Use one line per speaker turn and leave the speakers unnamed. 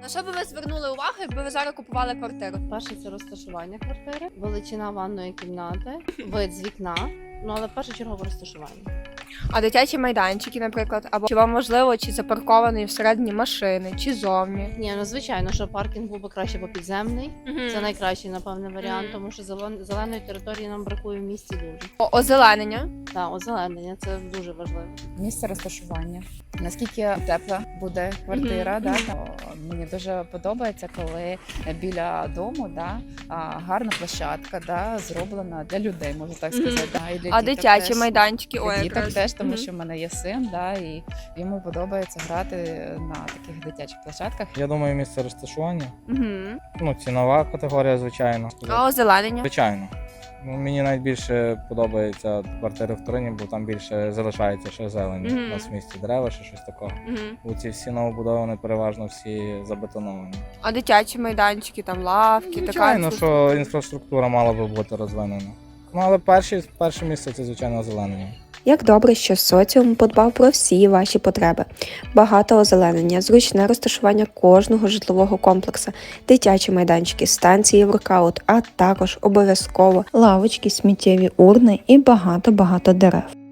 На що би ви звернули увагу, якби ви зараз купували квартиру?
Перше це розташування квартири, величина ванної кімнати, вид з вікна. Ну але першочергово розташування.
А дитячі майданчики, наприклад, або чи вам важливо, чи запаркований всередині машини, чи зовні?
Ні, ну звичайно, що паркінг був би краще по підземний. Це найкращий, напевне, варіант, тому що зеленої території нам бракує в місті дуже.
Озеленення.
Так, озеленення це дуже важливо.
Місце розташування. Наскільки тепла буде квартира, да? Мені дуже подобається, коли біля дому гарна площадка зроблена для людей, можу так сказати. Да? І для
А
діток
дитячі
теж.
майданчики?
Для
Ой,
діток
якраз.
теж, тому що в мене є син, і йому подобається грати на таких дитячих площадках.
Я думаю, місце розташування.
Мгм.
Ну, цінова категорія, звичайно.
А озеленення?
Звичайно. Ну, мені найбільше подобається квартири в Турині, бо там більше залишається ще зелені.
Мгм.
У нас в місті дерева, ще щось такого.
Мгм.
Ці всі новобудовані переважно всі забетоновані.
А дитячі майданчики, там лавки,
Звичайно,
така
що інфраструктура мала би бути розвинена. Ну, але перше місце це, звичайно, озеленення.
Як добре, що соціум подбав про всі ваші потреби. Багато озеленення, зручне розташування кожного житлового комплексу, дитячі майданчики, станції воркаут, а також обов'язково лавочки, сміттєві урни і багато-багато дерев.